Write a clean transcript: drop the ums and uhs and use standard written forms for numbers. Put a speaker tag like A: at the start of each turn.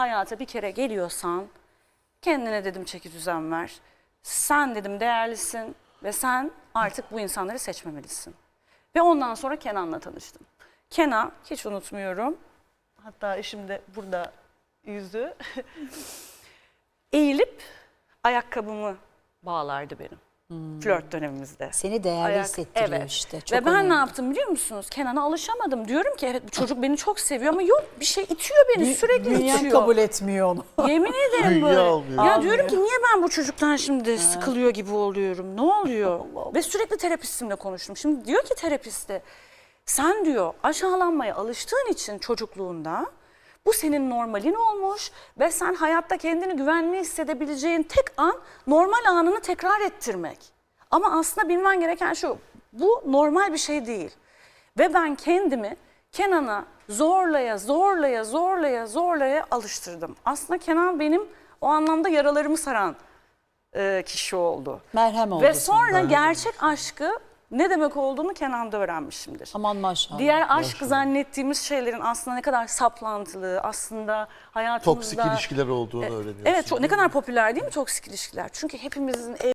A: Hayata bir kere geliyorsan kendine dedim çeki düzen ver. Sen dedim değerlisin ve sen artık bu insanları seçmemelisin. Ve ondan sonra Kenan'la tanıştım. Kenan hiç unutmuyorum. Hatta eşim de burada yüzü. Eğilip ayakkabımı bağlardı benim. Flört dönemimizde.
B: Seni değerli hissettiriyor
A: evet.
B: işte. Çok
A: Ve ben
B: önemli.
A: ne yaptım biliyor musunuz? Kenan'a alışamadım. Diyorum ki evet bu çocuk beni çok seviyor ama yok bir şey itiyor beni, sürekli
B: Bünyen
A: itiyor.
B: kabul etmiyor onu.
A: Yemin ederim
C: Bünye
A: böyle.
C: almıyor.
A: Ya diyorum ki niye ben bu çocuktan şimdi sıkılıyor gibi oluyorum? Ne oluyor? Ve sürekli terapistimle konuştum. Şimdi diyor ki terapiste sen diyor aşağılanmaya alıştığın için çocukluğunda bu senin normalin olmuş ve sen hayatta kendini güvenli hissedebileceğin tek an normal anını tekrar ettirmek. Ama aslında bilmen gereken şu, bu normal bir şey değil. Ve ben kendimi Kenan'a zorlaya alıştırdım. Aslında Kenan benim o anlamda yaralarımı saran kişi oldu.
B: Merhem oldu
A: Ve
B: sana.
A: sonra gerçek aşkı ne demek olduğunu Kenan'da öğrenmişimdir.
B: Aman maşallah.
A: Diğer aşk zannettiğimiz şeylerin aslında ne kadar saplantılı, aslında hayatımızda...
C: Toksik ilişkiler olduğunu öğreniyorsun.
A: Evet, ne kadar popüler değil mi toksik ilişkiler? Çünkü hepimizin